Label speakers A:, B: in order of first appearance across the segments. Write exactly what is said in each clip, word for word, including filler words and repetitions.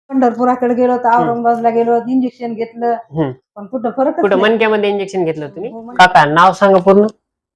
A: पंढरपुराकडे गेलो तर औरंगाबादला गेलो इंजेक्शन घेतलं
B: हम्म.
A: पण कुठं फरक
B: कुठं मणक्यामध्ये इंजेक्शन घेतलं
A: हो,
B: तुम्ही?
A: मणक्यात.
B: काका नाव सांगा पूर्ण.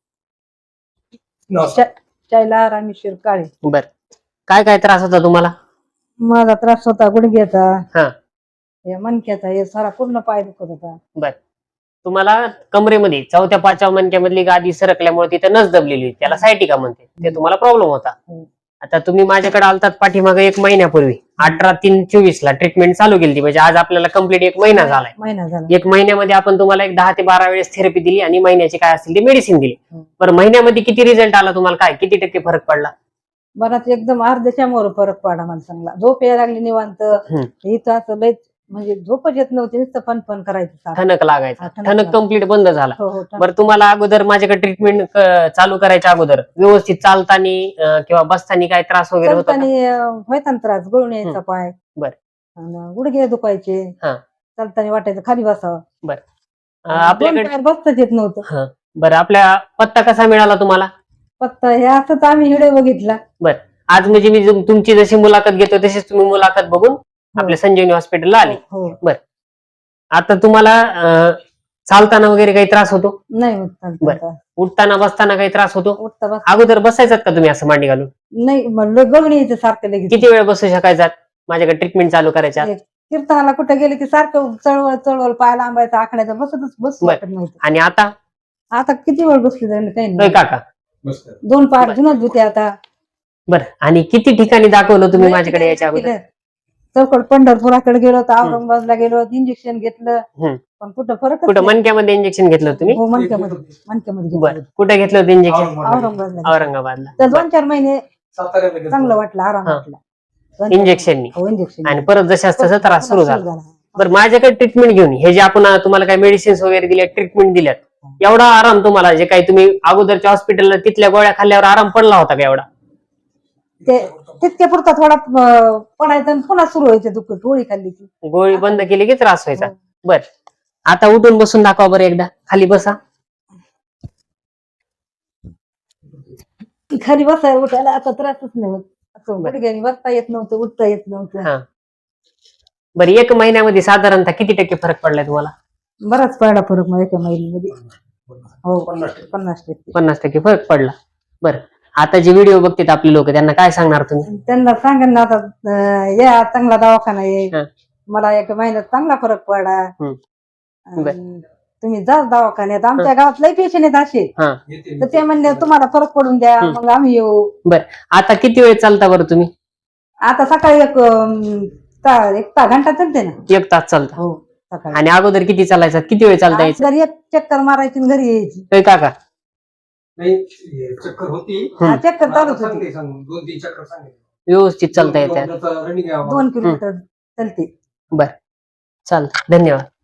A: शैला रामेश्वर काळे.
B: बर, काय काय त्रास होता तुम्हाला?
A: माझा त्रास होता गुडघ्याचा,
B: हा
A: हे मणक्याचा, हे सारा पूर्ण पाय दुखत होता.
B: बर, तुम्हाला कमरेमध्ये चौथ्या पाचव्या मणक्यामधली गादी सरकल्यामुळे तिथे नस दबलेली होती, त्याला सायटिका म्हणते, ते तुम्हाला प्रॉब्लेम होता.
A: हो.
B: आता तुम्ही माझ्याकडे आलतात पाठीमागे एक महिन्यापूर्वी अठरा तीन चोवीस ला ट्रीटमेंट चालू केली, म्हणजे आज आपल्याला कम्प्लीट एक महिना झालाय.
A: महिना झाला.
B: एक महिन्यामध्ये आपण तुम्हाला एक दहा ते बारा वेळेस थेरपी दिली आणि महिन्याची काय असतील ती मेडिसिन दिली.
A: हो.
B: बरं, महिन्यामध्ये किती रिझल्ट आला तुम्हाला? काय किती टक्के फरक पडला?
A: बराच एकदम अर्ध्याच्या मोर फरक पडला मला चांगला. झोप यायला लागली निवांत. इथं असं लय म्हणजे झोपच येत नव्हती, नुसतं फन फन करायचं,
B: ठणक लागायचा.
A: हा, ठणक
B: ठणक कम्प्लीट बंद झाला.
A: हो, हो, ठणक.
B: बरं, तुम्हाला अगोदर माझ्याकडे ट्रीटमेंट चालू करायच्या अगोदर व्यवस्थित चालताना किंवा बसताना काय त्रास वगैरे होता का?
A: चालताना व्हायचा ना त्रास, गळून यायचा पाय.
B: बरं.
A: आणि गुडघे दुखायचे.
B: हा.
A: चालताना वाटायचं खाली बसावं.
B: बरं, आपल्याकडे
A: आपल्याकडे बसताच येत नव्हतं.
B: हा. बरं, आपल्या पत्ता कसा मिळाला तुम्हाला?
A: पत्ता हे असंच आम्ही व्हिडिओ बघितला.
B: बरं, आज म्हणजे मी तुम- तुमची जशी मुलाखत घेतो तशीच तुम्ही मुलाखत बघून आपल्या संजीवनी हॉस्पिटलला आली.
A: हो.
B: बरं, आता तुम्हाला अं, चालताना वगैरे काही त्रास होतो?
A: नाही होत चालता.
B: बरं. उठताना बसताना काही त्रास होतो?
A: उठता बस
B: अगोदर बसायचात का तुम्ही असं मांडी घालून?
A: नाही, म्हणलं गळून यायचं सारखं लगेच.
B: किती वेळ बसू शकायचात माझ्याकडे ट्रीटमेंट चालू करायच्या?
A: एक कीर्तनाला कुठं गेले की सारखं चळवळ चळवळ पाय लांबायचा, आखण्याचा, बसतच बसू
B: बरं.
A: वाटत नव्हतं.
B: आणि आता?
A: आता किती वेळ बसली जाईल काही
B: होय
A: नाही.
B: काका?
A: दोन पाय जुनच होते आता.
B: बरं, आणि किती ठिकाणी दाखवलं तुम्ही माझ्याकडे यायच्या अगोदर?
A: चौकड पंढरपुराकडे गेलो तर औरंगाबादला गेलो इंजेक्शन घेतलं
B: हम्म.
A: पण कुठं फरक
B: कुठं मणक्यामध्ये इंजेक्शन घेतलं होतं तुम्ही?
A: हो, मणक्यामध्ये मणक्यामध्ये
B: बरं,
A: घेतलं.
B: कुठे घेतलं होतं इंजेक्शन?
A: औरंगाबादला.
B: औरंगाबादला.
A: तर दोन चार महिने चांगलं वाटलं, आराम
B: हा.
A: वाटला. दोन चार-
B: इंजेक्शननी.
A: हो, इंजेक्शन.
B: आणि परत जशाच तसा त्रास सुरू झाला. बरं, माझ्याकडे ट्रीटमेंट घेऊन हे जे आपण तुम्हाला काही मेडिसिन्स वगैरे दिल्या, ट्रीटमेंट दिल्यात, एवढा आराम तुम्हाला जे काही तुम्ही अगोदरच्या हॉस्पिटलला तिथल्या गोळ्या खाल्ल्यावर आराम पडला होता का एवढा?
A: ते तितक्या पुरता थोडा अं, पडायचं आणि पुन्हा सुरू व्हायचे दुःख. गोळी खाल्ली की
B: गोळी बंद केली की त्रास व्हायचा.
A: हो.
B: बर, आता उठून बसून दाखवा बरं एकदा. खाली बसा.
A: खाली बसायला उठायला आता त्रासच नाही होत. असं गुडघ्याने बसता येत नव्हतं, उठता येत नव्हतं.
B: हा. बरं, एक महिन्यामध्ये साधारणतः किती टक्के फरक पडलाय तुम्हाला?
A: बराच पडला फरक मग एका महिन्यामध्ये. हो, पन्नास टक्के
B: पन्नास टक्के फरक पडला. बरं, आता जे व्हिडिओ बघतात आपले लोक त्यांना काय सांगणार तुम्ही?
A: त्यांना सांगा ना आता अं, या चांगला दवाखाना आहे.
B: हा.
A: मला एक महिन्यात चांगला फरक पडला.
B: हम्म.
A: अं, तुम्ही जा दवाखान्यात. आमच्या गावात लई पेशंट आहेत असे,
B: हा.
A: तर ते म्हणले तुम्हाला फरक पडून द्या, मग आम्ही येऊ.
B: बरं, आता किती वेळ चालता बरं तुम्ही?
A: आता सकाळी एक अं, ता- एक ता घंटा चालते ना.
B: एक तास चालता.
A: हो, सकाळी.
B: आणि अगोदर किती चालायचा? किती वेळ चालता यायचं?
A: घरी एक चक्कर मारायची आणि घरी यायची.
B: होय काका?
C: चक्कर होती,
A: हा, चक्कर चालूच होती.
C: दोन तीन चक्कर सांगितले.
B: व्यवस्थित चालता येते.
C: रनिंग
A: दोन किलोमीटर चालते.
B: बरं, चालतं. धन्यवाद.